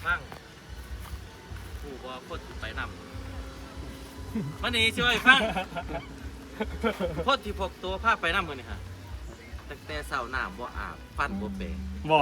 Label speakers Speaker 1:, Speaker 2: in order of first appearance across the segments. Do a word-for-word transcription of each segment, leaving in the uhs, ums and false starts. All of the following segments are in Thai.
Speaker 1: ฟังผู้บ่คนไปนำวันนี้ช่วยฟังคนที่พกตัวผ้าไปนำมือนี่ฮะตั้งแต่เช้าน้ำบ่อาบฟันบ่เปะ
Speaker 2: บ่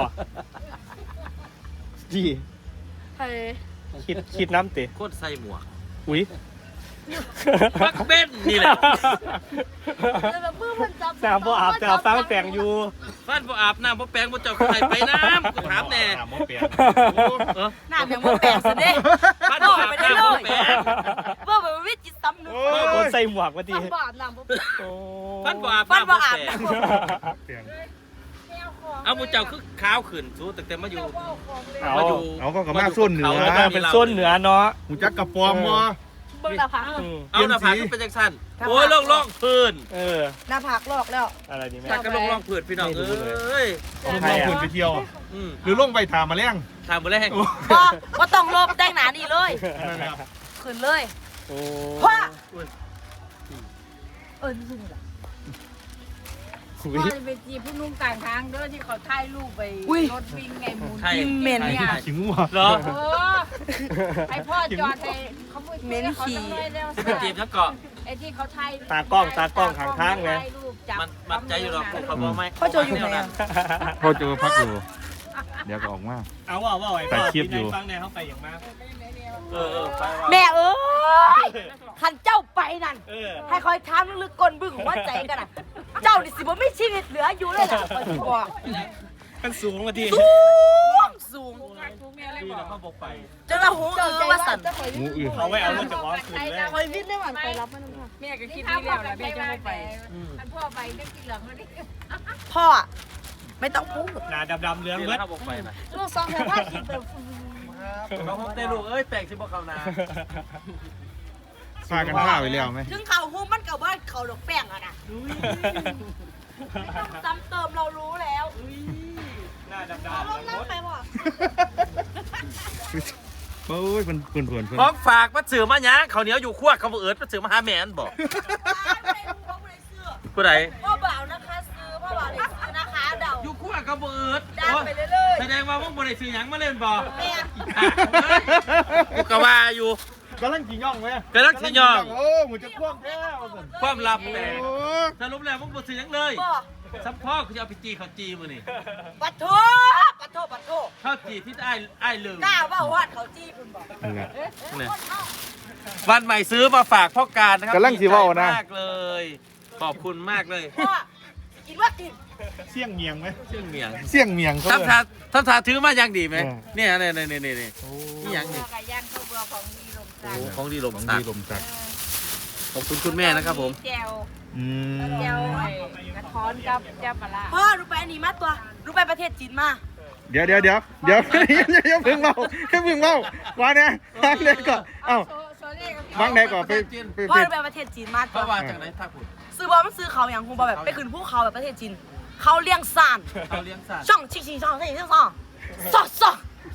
Speaker 2: จี
Speaker 3: เฮ้ย
Speaker 2: คิดคิดน้ำติ
Speaker 1: คนใส่หมวก
Speaker 2: อุ้ย
Speaker 1: มักเบ้นนี่แหละ
Speaker 3: แล้วมือมันจับ
Speaker 2: น้ำบ่อาบแต่เอาฟ้าแปลงอยู่
Speaker 1: ฟันบ่อาบน้ำบ่แปรงบ่เจ้าใครไปน้ำกูถามแน่
Speaker 4: น้ำบ่เปลี่ยน
Speaker 1: เออ
Speaker 3: หน้าเพียงว่าแปลกซะเด้
Speaker 1: ฟันบ่อาบน้ำบ่แปรง
Speaker 3: ว่าแบบวิจิตรซ้ำนึก
Speaker 2: คนใส่หมวกมาดี
Speaker 3: ฟันบ่อาบน้ำบ่
Speaker 2: โอ้
Speaker 1: ฟันบ่อาบ
Speaker 3: ฟัน
Speaker 1: น้ำ
Speaker 3: บ่
Speaker 1: บ่
Speaker 3: อาบ
Speaker 1: แปรง
Speaker 3: น้ำ
Speaker 4: เปลี่ยน
Speaker 1: เอาหมูเจ้าคือขาวขึ้นสู้ตั้งแต่มาอยู่
Speaker 2: เอา
Speaker 1: มาอยู่
Speaker 4: เอาก็กระมาส้นเหนือ
Speaker 1: มา
Speaker 2: เออเป็นส้นเหนือเนาะ
Speaker 4: หูจักกระปอมวะ
Speaker 3: เบิ่งหน้าผาก
Speaker 2: อืม
Speaker 1: เอาหน้าผากขึ้นเป็นจังซั่นโอ้ยล่องล่องพื้น
Speaker 2: เออ
Speaker 3: หน้าผากลอกแล้ว
Speaker 2: อะไรนี่แม่
Speaker 1: ถ้าก็ล่องล่องพื้นพี่น้องเอ้ย
Speaker 4: ลงลงคนไปเที่ยว
Speaker 1: อืม
Speaker 4: หรือลงไปถามมาเลี้ยง
Speaker 1: ถามบ่ได้แฮง
Speaker 3: บ่บ่ต้องลบแต่งหน้านี่เลยขึ้นเลย
Speaker 2: โอ้
Speaker 3: พ่อเออนี่ล่ะ
Speaker 2: อุ้
Speaker 5: พ่อย จะไปจีบผู้นุ่งกลางทางเด้อที่เขาถ่ายรูปไปรถวิ่งไงหมุน
Speaker 1: ใช่
Speaker 3: เหม็น
Speaker 5: เนี่ย
Speaker 4: ขิงวัว
Speaker 1: เหรอ
Speaker 5: เออให้พ่อจอดให้เขาพูด
Speaker 3: เหม็นขี้
Speaker 5: เขาต้องได้แล้ว
Speaker 1: ไปจีบนักเกาะ
Speaker 5: ไอ้ที่เขาถ่าย
Speaker 2: ตากล้องตากล้องข้างทางไง
Speaker 5: ถ่ายรูปจับ
Speaker 1: มันมันใจอยู่หรอกพวกเขาบอกไหม
Speaker 3: พ่อโจอยู่ไหนอะ
Speaker 4: พ่อเจอพักอยู่ เดี๋ยวก็ออกมา
Speaker 2: เอาว่าว่าไอ้
Speaker 4: ถ่ายคลิปอยู่
Speaker 2: ฟังในเขาไปอย่างมาก
Speaker 1: เออเออไปว่า
Speaker 3: แม่เอ้ยคันเจ้าไปนั่น
Speaker 2: เออ
Speaker 3: ให้คอยถามลึกๆก้นบึ้งหัวใจกันน่ะ เจ้านี่สิบ่มีชีวิตเหลืออยู่เลยล่ะคอยสิบอก
Speaker 2: มันสูงมาที
Speaker 3: สูงสูง
Speaker 5: ทุกเนี่ยเลย
Speaker 1: ดี
Speaker 5: บ
Speaker 1: แล้
Speaker 5: อ
Speaker 1: ว
Speaker 5: ก
Speaker 1: เขาบอกไป
Speaker 3: จนว่าหูเออว่าสั่น
Speaker 4: งูอื่น
Speaker 2: เอาไว้เอารถจากร้อนคืนเลย
Speaker 3: คอยวิ่งได้หวันไปรับมันค่ะ
Speaker 5: แม่ก็คิดนี่แล้วนะแม่จะไม่ไปอันพ่อไปได้กินเหลืองแล้วนี่
Speaker 3: พ่ออะไม่ต้องพูด
Speaker 2: หนาดำๆเรือง
Speaker 1: ดี
Speaker 2: เบิ
Speaker 1: แล้ว
Speaker 2: ด
Speaker 1: เขาบอกไปนะ
Speaker 3: ลูกซองแค่ผ้าขีดแบบ
Speaker 1: เขาพบได้ลูกเอ้ยแปลกสิบ่เขานา
Speaker 4: พากันผ้าไปแล้วไหม
Speaker 3: ถึงเขาหูมันกับว่าเขาหลกแป้งอะนะไม่ต้องซ้ำเติมเรารู้แล้ว
Speaker 2: หน้าดำ
Speaker 3: เอา
Speaker 2: ๆ
Speaker 3: ลง
Speaker 2: เรือง
Speaker 3: น้ำไป
Speaker 2: เบิด
Speaker 3: บ่
Speaker 4: โอ้ยมันเพื่อนเพื่อนเพื่อน
Speaker 1: ของฝากมาสื่อมาหยังเขาวเหนียวอยู่ขั้วเขาบ่เอิดมาสื่อมาหาแม่นบอกผู้ใด
Speaker 3: พ่อบ่าวนะคะซื้อพ่อบ่าวเลยซื้อนะคะเดา
Speaker 1: อยู่ขั้วเขาบ่เอิด
Speaker 3: ดังไปเรื่อย
Speaker 1: แสดงว่าพวกบ่ได้ซื้อหยังมาเล่นบ่
Speaker 3: ๆแม่
Speaker 1: กูก็ว่าอยู่
Speaker 4: กำลังกินย่องไหม
Speaker 1: กำลังสิย่อง
Speaker 4: โอ้หมูจะควงแก้วสิ
Speaker 1: ความลับแตก
Speaker 4: โอ้
Speaker 1: สรุปแล้วพวกบ่ซื้อหยังเลย
Speaker 3: บ่
Speaker 1: ซัพพอร์ตเขาจะเอาไปจีเขาจีมื้อนี่
Speaker 3: ปัดโทปัดโทปัดโท
Speaker 1: เขาจีที่อ้ายอ้ายลืม
Speaker 3: กล้าว่าวัดเขาจี้คุณบอก
Speaker 4: นั่นแหละ
Speaker 1: เนี่ยวันใหม่ซื้อมาฝากพ่อการนะครั
Speaker 4: กำลังสิเว้านะ
Speaker 1: ดีใจมากเลย ขอบคุณมากเลย
Speaker 3: พ่อกินว่ากิน
Speaker 4: เสี่ยงเมียงไหม
Speaker 1: ชื่อเมียง
Speaker 4: เสี่ยงเมียงเขา
Speaker 1: ทำทาทำทาถือมายังดีไหม
Speaker 4: เออ
Speaker 1: เนี่ยเนี่ยเนี่ยเนี่ยเนี่ย
Speaker 4: โอ้
Speaker 1: นี่ยังนี่
Speaker 5: ไก่ย่างข้าวเบื่อของดีลม
Speaker 1: โอ้
Speaker 5: จัน
Speaker 1: โหของดีลม
Speaker 4: ของ
Speaker 1: สั
Speaker 4: ดี
Speaker 1: ก
Speaker 4: ลมจัก
Speaker 1: ขอบคุณคุณแม่นะครับผม
Speaker 5: แจว
Speaker 4: อืม
Speaker 5: แจวไอ้กระท้อนกับแจวปลาร้า
Speaker 3: พ่อรู้ไปอันนี้มาตัวรู้ไปประเทศจีนมา
Speaker 4: เดี๋ยวเดี๋ยวเดี๋ยวเดี๋ยวอย่าเพิ่งเมาอย่าเพิ่งเมาว่าเนี่ยวางไหนก่อนเอ้า
Speaker 5: โซโซเล่กับพี่
Speaker 4: วางไหนก่อนไปไป
Speaker 3: พ่อ
Speaker 4: ไป
Speaker 3: รู้ไปประเทศจีนมา
Speaker 1: เพ
Speaker 3: ตัว
Speaker 1: ราะว่าจากไหนท่าขุน
Speaker 3: ซื้อบอลมันซื้อเขาอย่างคงบอลแบบไปขึ้นภูเขาแบบประเทศจีนเขาเลี้ยงซ่าน
Speaker 1: เขาเลี้ยงสัตว์
Speaker 3: ช่องชิงชิงช่องชิงชิงช่องซ่อซ่อ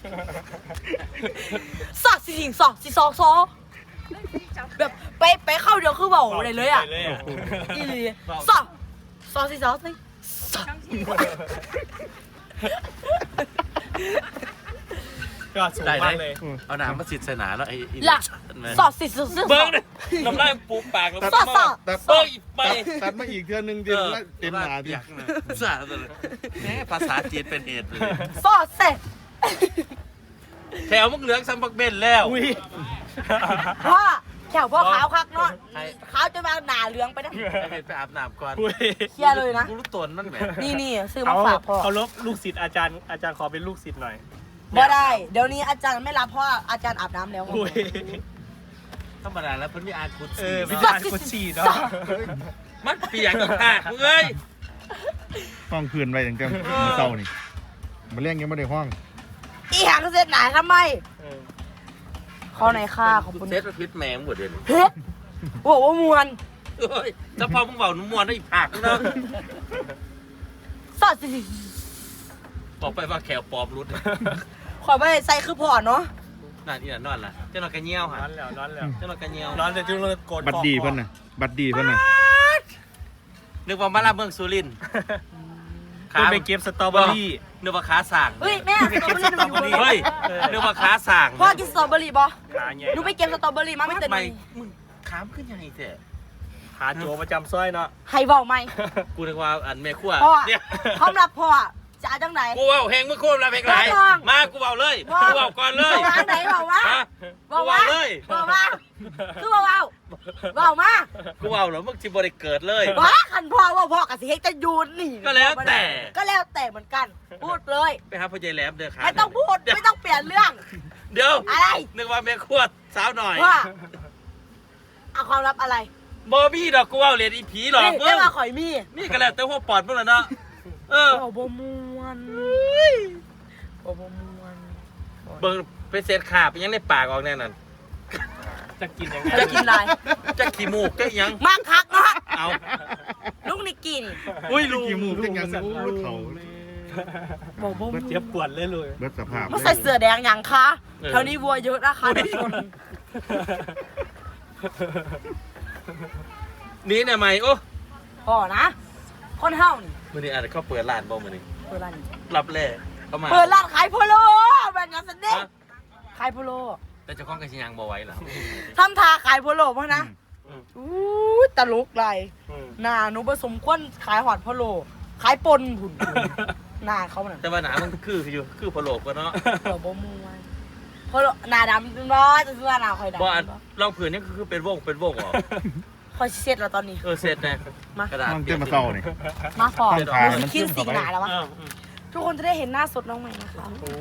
Speaker 3: ซ่อชิงชิงซ่อชิงซ่อซ่อแบบไปไปเข้าเดียวคือเบาเลยเลยอ่ะ
Speaker 2: เลยอ่ะ
Speaker 3: อีหลีซ่อซ่อชิงซ่อชิงซ่อ
Speaker 2: ก็สูง
Speaker 1: ได้
Speaker 2: มา
Speaker 1: ได้
Speaker 2: กเลย
Speaker 1: เอาน้ำมาสิทธิ์ใส่หนาแล้วไอ้ไอ้
Speaker 3: ล่ะ
Speaker 1: แม่
Speaker 3: ซ่อชิงซ่อชิง
Speaker 1: เบิ้งเลยน้ำลายปูปากแล้ว
Speaker 3: ซ่อซ่อ
Speaker 4: ตัด
Speaker 1: เบิ้งอีกไป
Speaker 4: ตัดมาอีกเทือนึงเต็มละเต็มหนา
Speaker 1: เปี
Speaker 4: ดิ
Speaker 1: ยกนะสาดเลยแหมภาษาจีนเป็นเหตุเลย
Speaker 3: ซ่อเสร็จ
Speaker 1: แถวมึงเหลืองซัมบักเบนแล้ว
Speaker 2: อุ้ย
Speaker 3: พ่อแถวพ่อขาวคักเนาะ
Speaker 1: ให้
Speaker 3: ขาวจะมาหนาเหลืองไปนะ
Speaker 1: ให้เบนไปอาบน้ำก่อน
Speaker 2: อุ้ย
Speaker 3: เคลียร์เลยนะ
Speaker 1: กูรู้ตนมันแหม
Speaker 3: นี่นี่ซื้อ
Speaker 2: เอา
Speaker 3: มาฝากพ่อ
Speaker 2: เขาลบลูกศิษย์อาจารย์อาจารย์ขอเป็นลูกศิษย์หน่อย
Speaker 3: บ่ได้ เดี๋ยวนี้อาจารย์ไม่รับเพราะอาจารย์อาบน้ำแล้ว
Speaker 2: อุ้ย
Speaker 1: ธรรมดาแล้วเพิ่นมีอาคุด
Speaker 2: เอ
Speaker 1: สี
Speaker 2: อวิ
Speaker 1: เนาะ
Speaker 2: จารณ์กุชีเนาะ
Speaker 1: มันเปียกอีกค่ะมึงเอ้ย
Speaker 4: ต้องคืนไว้ถึงกันเศร้านี่มาเลี้ยงยังไม่ได้ห้อง
Speaker 3: อีหางเสร็จหนาทำไม
Speaker 2: เออ
Speaker 3: ข้อไหนค่าขอบคุณ
Speaker 1: เซตพิษแมงหมดเลย
Speaker 3: เฮ้ยโอ้โหมวน
Speaker 1: เอ้ยถ้าพอมึงเบาหนุ่มมวนได้อีกผักนึงนะ
Speaker 3: สอดสิ
Speaker 1: บอกไปว่าแขวปอบรุด
Speaker 3: ขอไปใส่คือพอเนาะ
Speaker 1: นั่นอีนั่นนอนล่ะเจ้าหน่อยกระเงี้ยวฮะ
Speaker 2: ร้อนแล้วร้อนแล้ว
Speaker 1: เจ้าหน่อยกระเงี้ยว
Speaker 2: ร้อนแต่จุดเลยโกรธ
Speaker 4: บัดดีเพิ่นน่ะบัดดีเพิ่นน่ะ
Speaker 1: นึกว่ามาลาเมืองสุรินทร์
Speaker 2: คุณไปเก็บสตรอเบอรี่
Speaker 1: เนื้อปลาขาสั่ง
Speaker 3: เฮ้ยแม่สตรอเบอรี่หนูอยู่บน
Speaker 1: เฮ้ยเนื้อปลาขาสั่ง
Speaker 3: พ่อกินสตรอเบอรี่บ่
Speaker 2: ขาใหญ่
Speaker 3: หนูไปเก็บสตรอเบอรี่มาไม่เต็ม
Speaker 1: ไม่
Speaker 3: เลย
Speaker 1: มึงขามขึ้นยังไงเถอะ
Speaker 2: ขาโจประจำซอยเนาะ
Speaker 3: ให้เว้าไหม
Speaker 1: กูนึกว่าอันแม่ขั้ว
Speaker 3: พ่อ
Speaker 1: เนี่ย
Speaker 3: พร้อมรับพ่อจะเอาจังไหน
Speaker 1: กูเอาแหงมึงควบรับเพลงไร
Speaker 3: พ่อ
Speaker 1: มากูเอาเลย
Speaker 3: พ่อ
Speaker 1: กูเอาก่อนเลย
Speaker 3: บอกว่าไหนบอกว่า
Speaker 1: ฮะ
Speaker 3: บอก
Speaker 1: กู
Speaker 3: ว่า
Speaker 1: เอาเลย
Speaker 3: บอกว่าคือบอกว่าบอกมา
Speaker 1: กูเอาเหรอมึงจิบริเกิดเลย
Speaker 3: ว่าคันพ่อว่าพ่อกับสิเฮกจะยูนนี่
Speaker 1: ก็แล้วแต่
Speaker 3: ก็แล้วแต่เหมือนกัน พูดเลย
Speaker 1: ไปหาพ่อใหญ่แหลมเด้อขา
Speaker 3: ไม่ต้องพูดไม่ต้องเปลี่ยนเรื่อง
Speaker 1: เดี๋ยว
Speaker 3: อะไร
Speaker 1: นึกว่าแม่ขั้วสาวหน่อย
Speaker 3: ว่าเอาความลับอะไร
Speaker 1: บอบี้ดอกกูเอาเหรียญอีผีหรอก
Speaker 3: นี่
Speaker 1: มึ
Speaker 3: ได้
Speaker 1: ง
Speaker 3: มาข่อยมี
Speaker 1: นี่ก็แล้วแต่หัวปอดมึงแล้วเนาะเออ
Speaker 3: โอ้บ่มวนโอ้บ่มวน
Speaker 1: เบิ่งไปเศษขาบยังในปากออกแน่นั่น
Speaker 2: จะกินยังไง
Speaker 3: จะกินอะไร
Speaker 1: จะขี้มูกจะยัง
Speaker 3: มากคักเนาะ
Speaker 1: เอา
Speaker 3: ลูกนี่กิน
Speaker 1: อุ้ยลูก
Speaker 4: กี่มูกเป็นยังโอ้เขา
Speaker 3: บ่บ่ม
Speaker 2: เจ็บปวดเลยเลย
Speaker 4: เบิดสภาพ
Speaker 3: มาใส่เสื้อแดงยังคะแถวนี้วัวเยอะนะคะทุกคน
Speaker 1: นี่เนี่ยไหมโอ้
Speaker 3: พ่อนะคนเฮานี่
Speaker 1: มือนี้อาจจะเขาเปิดร้านบ่มือนี้
Speaker 3: เปิดร้านนี่
Speaker 1: รับแร่เข้ามา
Speaker 3: เปิดร้านขายโพโลแบบนั้นสันเด็ก
Speaker 1: ฮะ
Speaker 3: ขายโพโล
Speaker 1: แต่เจ้าของกระชิยังบ่ไหว้เหรอ
Speaker 3: ทำทาขายโพโลเพราะนะอู้ตลกไรหน้าหนูผสมควนขายหอดโพโล ขายปนผุนหน้าเขาน่ะ
Speaker 1: แต่ว่าหนามันคืออยู่คือพะโลกก็เนาะ
Speaker 3: เดี๋ยวบ่มวยโพโลหน้าดำน้อยจะซื้อหน้าคอยดำ
Speaker 1: บ่อันรองผืนนี่คือเป็นวงเป็นวงเหรอ
Speaker 3: คอยเช็ดแล้วตอนนี้
Speaker 1: เออเสร็จแน่
Speaker 3: มา
Speaker 1: กระดาษ
Speaker 4: มันเต็มมาเศร้านี่
Speaker 3: มาฟอ
Speaker 4: ต้องทานมัน
Speaker 3: คิ
Speaker 4: ขึ้
Speaker 3: น
Speaker 4: น
Speaker 3: สี
Speaker 4: เข้าไป
Speaker 3: หนาแล้ววะทุกคนจะได้เห็นหน้าสดน้องใหม่นะคะ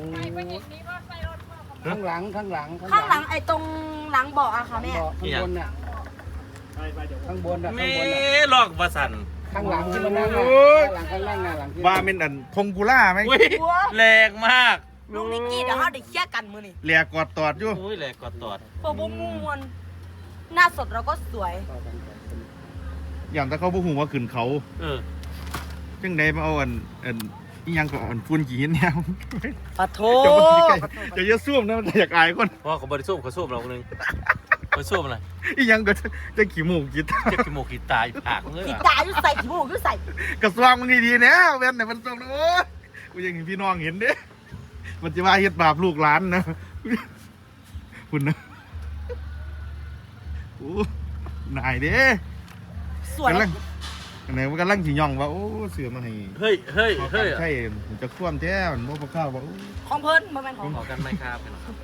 Speaker 6: ข้างหลังข้างหลัง
Speaker 3: ข้างหลังไอ้ตรงหลังเบาะอะค่ะแม่
Speaker 6: เบาะข้างบนน่ะข้างบนน่ะ
Speaker 1: แม่
Speaker 6: ข้างบนน่ะ
Speaker 1: ลอกประสัน
Speaker 6: ข้างหลังที่มันนั่งน่ะ
Speaker 4: โอ้ย
Speaker 6: ข้างหลังข้างล่างน่ะหลังที่
Speaker 4: ว่าเป็นอันทงกุล่าไหม
Speaker 1: อุ้ยแรงมาก
Speaker 3: ลูกนิกกี้เดี๋ยวเขาเด็กเคลียร์กันมือนี่
Speaker 4: เลียกอดตอดอยู่
Speaker 1: อุ้ยแรงกอดตอด
Speaker 3: พอบ่มวนหน้าสดเราก็สวย
Speaker 4: อย่างถ้าเขาบ่หูว่าขึ้นเขา
Speaker 1: เออ
Speaker 4: จังไดมาเอาอันอันอีหยังก็อันฝุ่นขี้หินแนว
Speaker 3: ปะโถ
Speaker 4: จะบ่ใกล้จะจะซ่วมนะมันอยากอายคน
Speaker 1: เพราะเขาบริสุทธิ์เขาสู้เราหนึ่งเขาสู้อะไร
Speaker 4: อีหยังก็จะขี้มูกขี้ตา
Speaker 1: เจ็บขี้โมกขี้ตายผากเลย
Speaker 3: ขี
Speaker 1: อะ
Speaker 3: ตาอยู่ใส่ขี้มูกอยู่ใส่
Speaker 4: กระสวงมันดีๆนะเว้นแต่มันส่งโอ้ยกูยังเห็นพี่น้องเห็นเด้มันจะว่าเฮ็ดบาปลูกหลานนะคุณนะโอ้นายเด้
Speaker 3: สวย
Speaker 4: กำลังอันไหนมันกำลังสิย่องว่าโอ้เสือมาให้
Speaker 1: เฮ้ยเฮ้ยเฮ้ย
Speaker 4: ใช่มันจะคว่ำแท้มันบ่พอข้าวว่าโอ้
Speaker 3: ของเพิ่นมันเป็นของ
Speaker 1: ขอกันไหมครับพี่น้องครับ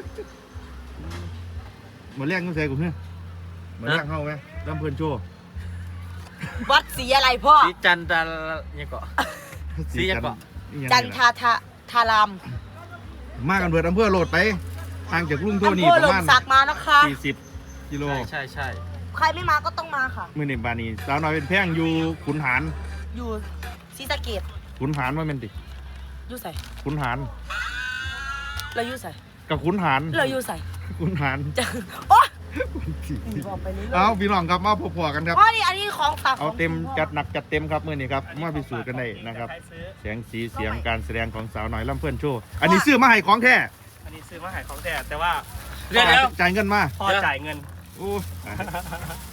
Speaker 4: มาเลี้ยงกันใส่กูเฮ้ยมาเลี้ยงเข้าไหมลำเพิ่นโชว์
Speaker 3: วัดสีอะไรพ่อ
Speaker 1: สีจันทร์ยังเกาะ สีหยังเกาะ
Speaker 4: อีหยัง
Speaker 3: จัน
Speaker 4: นี่
Speaker 3: ทา
Speaker 4: ล่ะ
Speaker 3: ทาทาราม
Speaker 4: มากันเบิดอำเภอโหลดไปห่างจากลุงโท
Speaker 3: อำ
Speaker 4: นี่
Speaker 3: เภอ
Speaker 4: ป
Speaker 3: หล
Speaker 4: ระ
Speaker 3: ม
Speaker 4: มาณ
Speaker 3: สักมานะคะ
Speaker 4: สี่สิบกิโล
Speaker 1: ใช่ใช่ใช่
Speaker 3: ใครไม่มาก็ต้องมาค่ะ
Speaker 4: มื้อนี้บานี้สาวน้อยเป็นแพงอยู่ขุนหาร
Speaker 3: อยู่ศรีสะเกด
Speaker 4: ขุนหารว่าแม่นติ
Speaker 3: อยู่ใส่
Speaker 4: ขุนหาร
Speaker 3: เราอยู่ใส่
Speaker 4: กับขุนหาร
Speaker 3: เราอยู่ใส่
Speaker 4: ขุนหาร
Speaker 3: จะโอ๊ย
Speaker 4: สี่สิบ
Speaker 3: บอกไปเรื่อยๆ
Speaker 4: เอาพี่น้องครับมาพอๆกันครับ
Speaker 3: อ๋อนี่อันนี้ของฝาก
Speaker 4: เอา
Speaker 3: ของ
Speaker 4: เต็ม
Speaker 3: คุณพ่อ
Speaker 4: จัดหนักจัดเต็มครับมื้อนี้ครับมาพิสูจน์กันได้นะครับ
Speaker 2: ใครซื้อ
Speaker 4: เสียงสีเสียงการแสดงของสาวน้อยลำเพื่อนโชว์อันนี้ซื้อมาให้ของแท้
Speaker 2: อันนี้ซื้อมาขายของแต่แต่ว่า
Speaker 1: เดี๋ยวเดี๋ยว
Speaker 4: จ่ายเงินมา
Speaker 2: พ่อจ่ายเงิน
Speaker 4: โอ้